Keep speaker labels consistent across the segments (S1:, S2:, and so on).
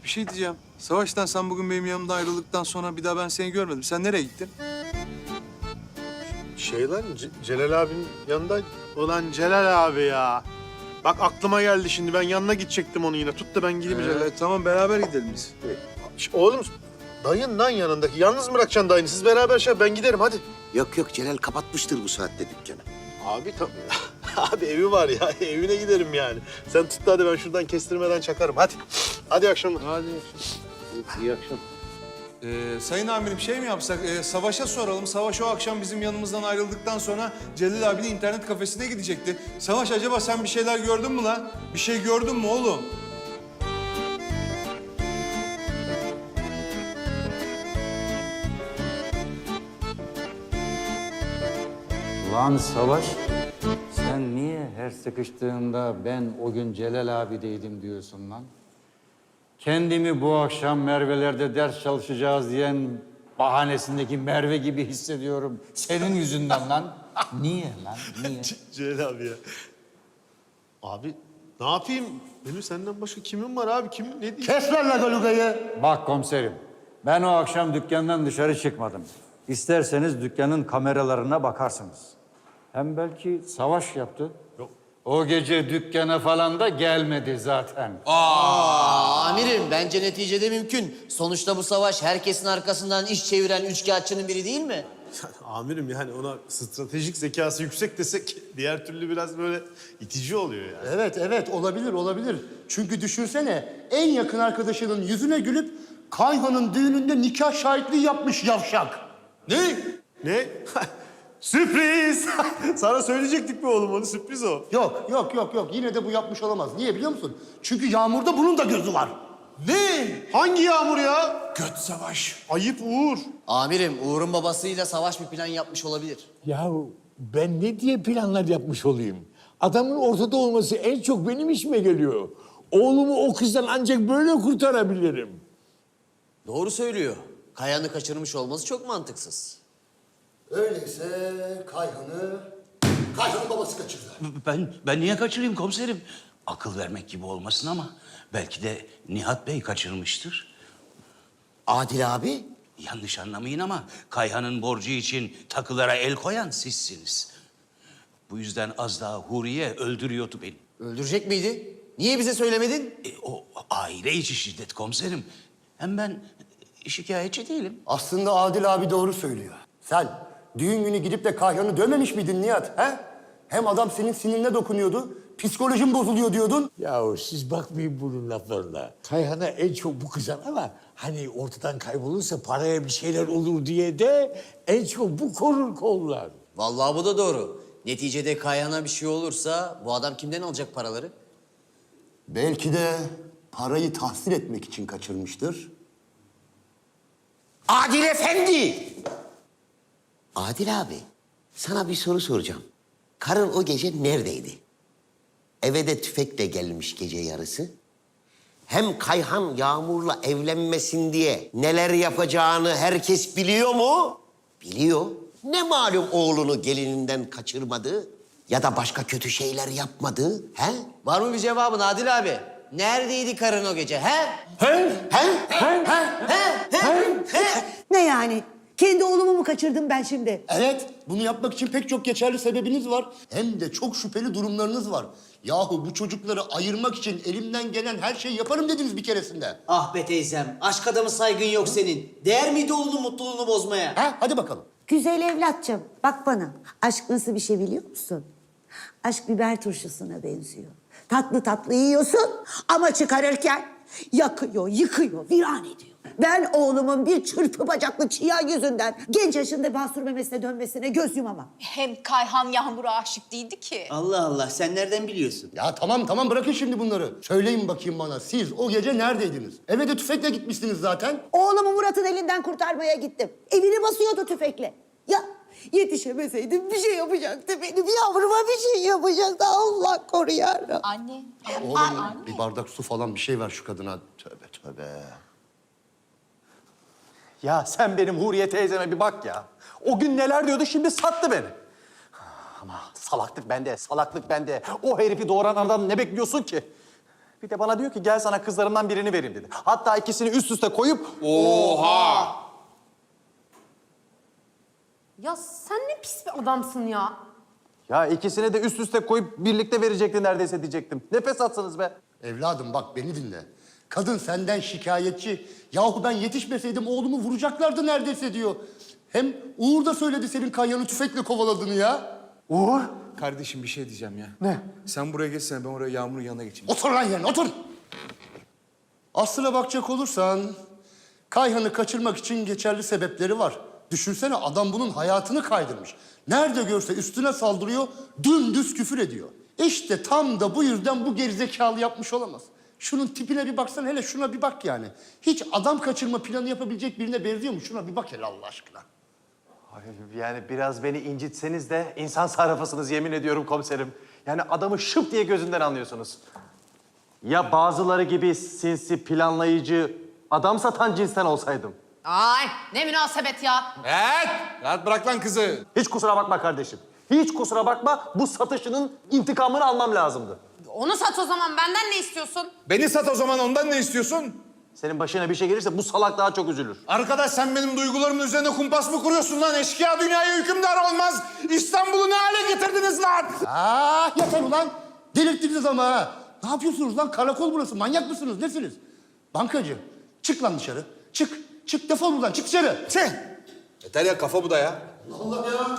S1: bir şey diyeceğim. Savaş'tan sen bugün benim yanımda ayrıldıktan sonra bir daha ben seni görmedim. Sen nereye gittin?
S2: Celal abinin yanında. Ulan Celal abi ya. Bak aklıma geldi şimdi. Ben yanına gidecektim onu yine. Tut da ben gideyim Celal.
S1: Tamam beraber gidelim biz.
S2: Oğlum dayın lan yanındaki. Yalnız mı bırakacaksın dayını? Siz beraber ben giderim hadi.
S3: Yok yok, Celal kapatmıştır bu saatte dükkanı.
S2: Abi abi evi var ya. Evine giderim yani. Sen tut da hadi ben şuradan kestirmeden çakarım. Hadi. Hadi iyi akşamlar.
S1: Hadi.
S3: İyi akşam.
S1: Sayın amirim şey mi yapsak? Savaş'a soralım. Savaş o akşam bizim yanımızdan ayrıldıktan sonra Celil abinin internet kafesine gidecekti. Savaş acaba sen bir şeyler gördün mü lan? Bir şey gördün mü oğlum?
S4: Lan Savaş, sen niye her sıkıştığında ben o gün Celal abideydim diyorsun lan? Kendimi bu akşam Merve'lerde ders çalışacağız diyen bahanesindeki Merve gibi hissediyorum. Senin yüzünden lan. Niye lan, niye?
S2: Celal abi ya. Abi ne yapayım? Benim senden başka kimim var abi? Kim ne diyeyim?
S4: Kes lan lagolugayı. Bak komiserim, ben o akşam dükkandan dışarı çıkmadım. İsterseniz dükkanın kameralarına bakarsınız. Hem belki Savaş yaptı.
S2: Yok.
S4: O gece dükkana falan da gelmedi zaten.
S5: Amirim bence neticede mümkün. Sonuçta bu Savaş herkesin arkasından iş çeviren üçkağıtçının biri değil mi?
S2: Amirim yani ona stratejik zekası yüksek desek diğer türlü biraz böyle itici oluyor yani.
S6: Evet olabilir. Çünkü düşünsene en yakın arkadaşının yüzüne gülüp Kayhan'ın düğününde nikah şahitliği yapmış yavşak.
S2: Ne? Sürpriz! Sana söyleyecektik mi oğlum onu? Sürpriz o.
S6: Yok. Yine de bu yapmış olamaz. Niye biliyor musun? Çünkü Yağmur'da bunun da gözü var.
S2: Ne? Hangi Yağmur ya?
S1: Göt Savaş.
S2: Ayıp Uğur.
S5: Amirim Uğur'un babasıyla Savaş bir plan yapmış olabilir.
S7: Ya ben ne diye planlar yapmış olayım? Adamın ortada olması en çok benim işime geliyor. Oğlumu o kızdan ancak böyle kurtarabilirim.
S5: Doğru söylüyor. Kayan'ı kaçırmış olması çok mantıksız.
S6: Öyleyse Kayhan'ın babası kaçırdı.
S8: Ben niye kaçırayım komiserim? Akıl vermek gibi olmasın ama belki de Nihat Bey kaçırmıştır.
S3: Adil abi,
S8: Yanlış anlamayın ama Kayhan'ın borcu için takılara el koyan sizsiniz. Bu yüzden az daha Huriye öldürüyordu beni.
S5: Öldürecek miydi? Niye bize söylemedin?
S8: O aile içi şiddet komiserim. Hem ben şikayetçi değilim.
S6: Aslında Adil abi doğru söylüyor. Sen düğün günü gidip de Kayhan'ı dövmemiş miydin Nihat? He? Hem adam senin sinirine dokunuyordu. Psikolojin bozuluyor diyordun.
S7: Yahu siz bakmayın bunun laflarına. Kayhan'a en çok bu kızan ama hani ortadan kaybolursa paraya bir şeyler olur diye de en çok bu korur kollar.
S5: Vallahi bu da doğru. Neticede Kayan'a bir şey olursa bu adam kimden alacak paraları?
S6: Belki de parayı tahsil etmek için kaçırmıştır.
S3: Adil Efendi! Adil abi, sana bir soru soracağım. Karın o gece neredeydi? Eve de tüfekle gelmiş gece yarısı. Hem Kayhan Yağmur'la evlenmesin diye neler yapacağını herkes biliyor mu? Biliyor. Ne malum oğlunu gelininden kaçırmadı ya da başka kötü şeyler yapmadı, he?
S5: Var mı bir cevabın Adil abi? Neredeydi karın o gece he?
S9: Ne yani? Kendi oğlumu mu kaçırdım ben şimdi?
S6: Evet, bunu yapmak için pek çok geçerli sebebiniz var. Hem de çok şüpheli durumlarınız var. Yahu bu çocukları ayırmak için elimden gelen her şeyi yaparım dediniz bir keresinde.
S5: Ah be teyzem, aşk adamı saygın yok senin. Değer miydi oğlunun mutluluğunu bozmaya?
S6: Ha? Hadi bakalım.
S9: Güzel evlatçım, bak bana. Aşk nasıl bir şey biliyor musun? Aşk biber turşusuna benziyor. Tatlı tatlı yiyorsun ama çıkarırken yakıyor, yıkıyor, viran ediyor. Ben oğlumun bir çırpı bacaklı çiğya yüzünden genç yaşında basur memesine dönmesine göz yumamam.
S10: Hem Kayhan Yağmur'a aşık değildi ki.
S5: Allah Allah, sen nereden biliyorsun?
S6: Ya tamam bırakın şimdi bunları. Söyleyin bakayım bana, siz o gece neredeydiniz? Eve de tüfekle gitmişsiniz zaten.
S9: Oğlumu Murat'ın elinden kurtarmaya gittim. Evini basıyordu tüfekle. Ya yetişemeseydim bir şey yapacaktı benim yavruma, bir şey yapacaktı. Allah koru yarabbim.
S10: Anne.
S6: Oğlum bir bardak su falan bir şey ver şu kadına. Tövbe.
S11: Ya sen benim Huriye teyzeme bir bak ya. O gün neler diyordu, şimdi sattı beni. Ama salaklık bende. O herifi doğuran adam ne bekliyorsun ki? Bir de bana diyor ki gel sana kızlarımdan birini vereyim dedi. Hatta ikisini üst üste koyup
S12: Ya sen ne pis bir adamsın ya.
S11: ya ikisini de üst üste koyup birlikte verecekti neredeyse diyecektim. Ne fesatsanız be.
S6: Evladım bak beni dinle. Kadın senden şikayetçi. Yahu ben yetişmeseydim oğlumu vuracaklardı neredeyse diyor. Hem Uğur da söyledi senin Kayhan'ı tüfekle kovaladığını ya.
S11: Uğur.
S1: Kardeşim bir şey diyeceğim ya.
S11: Ne?
S1: Sen buraya geçsene, ben oraya Yağmur'un yanına geçeyim.
S6: Otur lan yerine otur. Aslına bakacak olursan Kayhan'ı kaçırmak için geçerli sebepleri var. Düşünsene adam bunun hayatını kaydırmış. Nerede görse üstüne saldırıyor, dümdüz küfür ediyor. İşte tam da bu yüzden bu gerizekalı yapmış olamaz. Şunun tipine bir baksana, hele şuna bir bak yani. Hiç adam kaçırma planı yapabilecek birine benziyor mu? Şuna bir bak hele Allah aşkına.
S11: Yani biraz beni incitseniz de insan sarrafısınız yemin ediyorum komiserim. Yani adamı şıp diye gözünden anlıyorsunuz. Ya bazıları gibi sinsi, planlayıcı, adam satan cinsten olsaydım.
S12: Ay ne münasebet ya.
S1: Evet! Rahat bırak lan kızı.
S11: Hiç kusura bakma kardeşim. Hiç kusura bakma, bu satışının intikamını almam lazımdı.
S12: Onu sat o zaman, benden ne istiyorsun?
S1: Beni sat o zaman, ondan ne istiyorsun?
S11: Senin başına bir şey gelirse bu salak daha çok üzülür.
S1: Arkadaş sen benim duygularımın üzerine kumpas mı kuruyorsun lan? Eşkıya dünyaya hükümdar olmaz. İstanbul'u ne hale getirdiniz lan?
S6: Yeter ulan. Delirttiniz ama ha. Ne yapıyorsunuz lan? Karakol burası. Manyak mısınız? Nesiniz? Bankacı. Çık lan dışarı. Çık. Çık defol buradan. Çık dışarı.
S1: Çık. Yeter ya, kafa bu da ya.
S6: Allah ya.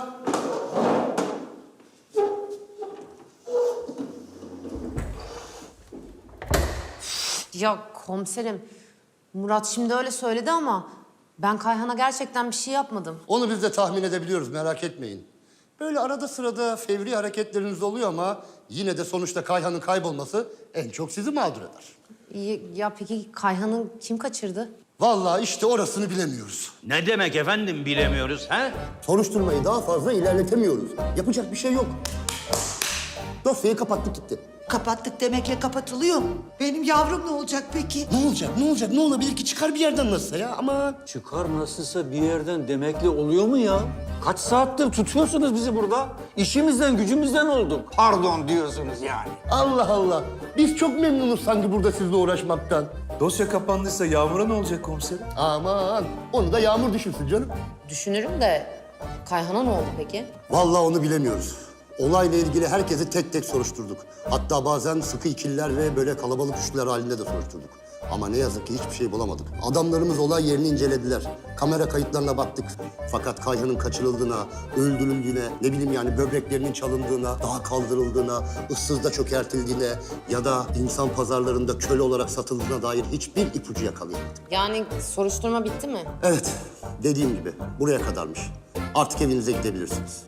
S12: Ya komiserim, Murat şimdi öyle söyledi ama ben Kayhan'a gerçekten bir şey yapmadım.
S6: Onu biz de tahmin edebiliyoruz. Merak etmeyin. Böyle arada sırada fevri hareketleriniz oluyor ama yine de sonuçta Kayhan'ın kaybolması en çok sizi mağdur eder.
S12: Ya peki Kayhan'ı kim kaçırdı?
S6: Vallahi işte orasını bilemiyoruz.
S8: Ne demek efendim bilemiyoruz ha?
S6: Soruşturmayı daha fazla ilerletemiyoruz. Yapacak bir şey yok. Dosyayı kapattık gitti.
S9: Kapattık demekle kapatılıyor mu? Benim yavrum ne olacak peki?
S6: Ne olacak? Ne olacak? Ne olabilir ki? Çıkar bir yerden nasılsa ya ama...
S7: Çıkar nasılsa bir yerden demekle oluyor mu ya? Kaç saattir tutuyorsunuz bizi burada? İşimizden gücümüzden olduk. Pardon diyorsunuz yani.
S6: Allah Allah. Biz çok memnunuz sanki burada sizle uğraşmaktan.
S1: Dosya kapandıysa Yağmur'a ne olacak komiserim?
S6: Aman onu da Yağmur düşünsün canım.
S12: Düşünürüm de Kayhan'a ne oldu peki?
S6: Vallahi onu bilemiyoruz. Olayla ilgili herkesi tek tek soruşturduk. Hatta bazen sıkı ikililer ve böyle kalabalık üçlüler halinde de soruşturduk. Ama ne yazık ki hiçbir şey bulamadık. Adamlarımız olay yerini incelediler. Kamera kayıtlarına baktık. Fakat Kayhan'ın kaçırıldığına, öldürüldüğüne, ne bileyim yani böbreklerinin çalındığına, dağa kaldırıldığına, ıssızda çökertildiğine ya da insan pazarlarında köle olarak satıldığına dair hiçbir ipucu yakalayamadık.
S12: Yani soruşturma bitti mi?
S6: Evet, dediğim gibi buraya kadarmış. Artık evinize gidebilirsiniz.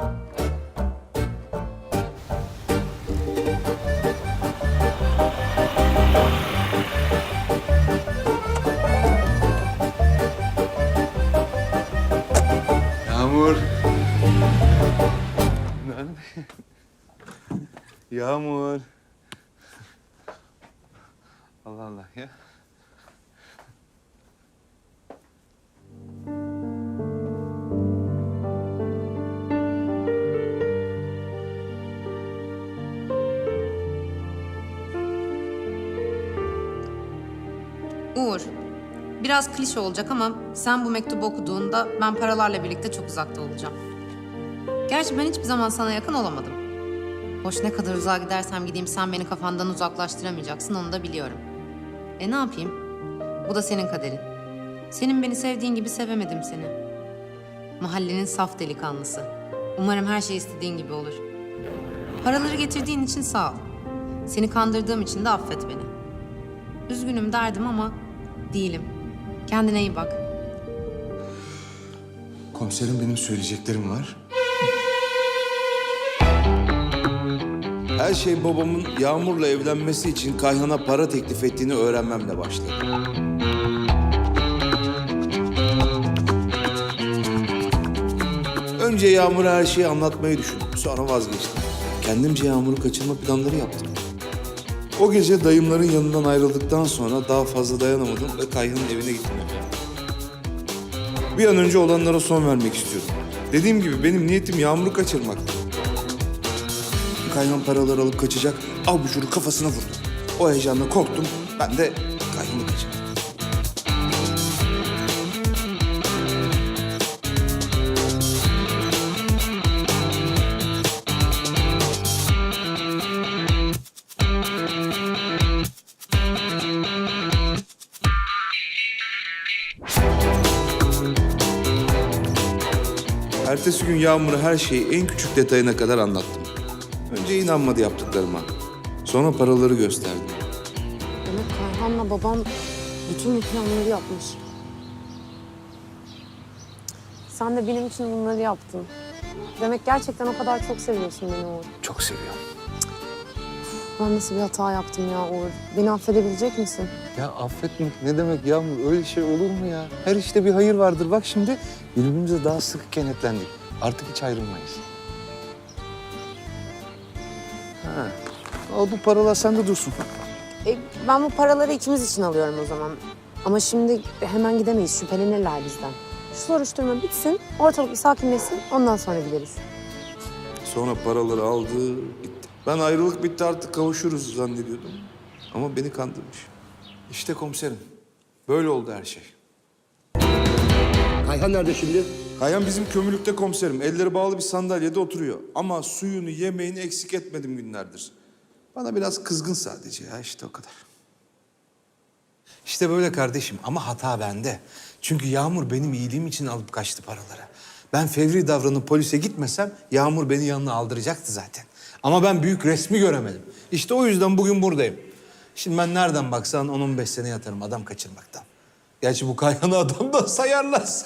S1: Yağmur. Yağmur. Allah Allah ya.
S12: Uğur, biraz klişe olacak ama sen bu mektubu okuduğunda ben paralarla birlikte çok uzakta olacağım. Gerçi ben hiçbir zaman sana yakın olamadım. Hoş ne kadar uzağa gidersem gideyim sen beni kafandan uzaklaştıramayacaksın onu da biliyorum. Ne yapayım? Bu da senin kaderin. Senin beni sevdiğin gibi sevemedim seni. Mahallenin saf delikanlısı. Umarım her şey istediğin gibi olur. Paraları getirdiğin için sağ ol. Seni kandırdığım için de affet beni. Üzgünüm derdim ama değilim. Kendine iyi bak.
S1: Komiserim benim söyleyeceklerim var. Her şey babamın Yağmur'la evlenmesi için Kayhan'a para teklif ettiğini öğrenmemle başladı. Önce Yağmur'a her şeyi anlatmayı düşündüm. Sonra vazgeçtim. Kendimce Yağmur'u kaçırma planları yaptım. O gece dayımların yanından ayrıldıktan sonra daha fazla dayanamadım ve Kayhan'ın evine gittim. Bir an önce olanlara son vermek istiyorum. Dediğim gibi benim niyetim Yağmur'u kaçırmaktı. Kayhan paraları alıp kaçacak, abucunu kafasına vurdu. O heyecanla korktum. Ben de Kayhan'ı kaçırdım. Ertesi gün Yağmur'a her şeyi en küçük detayına kadar anlattım. Önce inanmadı yaptıklarıma. Sonra paraları gösterdi.
S12: Demek Kayhan'la babam bütün bu planları yapmış. Sen de benim için bunları yaptın. Demek gerçekten o kadar çok seviyorsun beni Uğur.
S1: Çok seviyorum.
S12: Ben nasıl bir hata yaptım ya Uğur? Beni affedebilecek misin?
S1: Ya affetmek ne demek Yağmur? Öyle şey olur mu ya? Her işte bir hayır vardır. Bak şimdi birbirimize daha sıkı kenetlendik. Artık hiç ayrılmayız. Ha. Al bu paralar sende dursun.
S12: Ben bu paraları ikimiz için alıyorum o zaman. Ama şimdi hemen gidemeyiz. Şüphelenirler bizden. Şu soruşturma bitsin, ortalık bir sakinleşsin. Ondan sonra gideriz.
S1: Sonra paraları aldı, gitti. Ben ayrılık bitti artık kavuşuruz zannediyordum. Ama beni kandırmış. İşte komiserim. Böyle oldu her şey.
S6: Kayhan nerede şimdi?
S1: Kayhan bizim kömürlükte komiserim. Elleri bağlı bir sandalyede oturuyor. Ama suyunu, yemeğini eksik etmedim günlerdir. Bana biraz kızgın sadece ya, işte o kadar. İşte böyle kardeşim ama hata bende. Çünkü Yağmur benim iyiliğim için alıp kaçtı paraları. Ben fevri davranıp polise gitmesem Yağmur beni yanına aldıracaktı zaten. Ama ben büyük resmi göremedim. İşte o yüzden bugün buradayım. Şimdi ben nereden baksan 10-15 sene yatarım adam kaçırmaktan. Gerçi bu Kayhan'ı adam da sayarlar.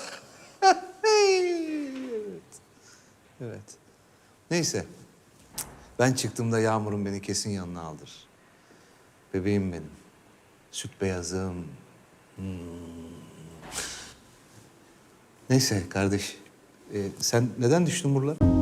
S1: Evet. Neyse. Ben çıktığımda Yağmur'un beni kesin yanına aldır. Bebeğim benim. Süt beyazım. Neyse kardeş. Sen neden düştün buralara?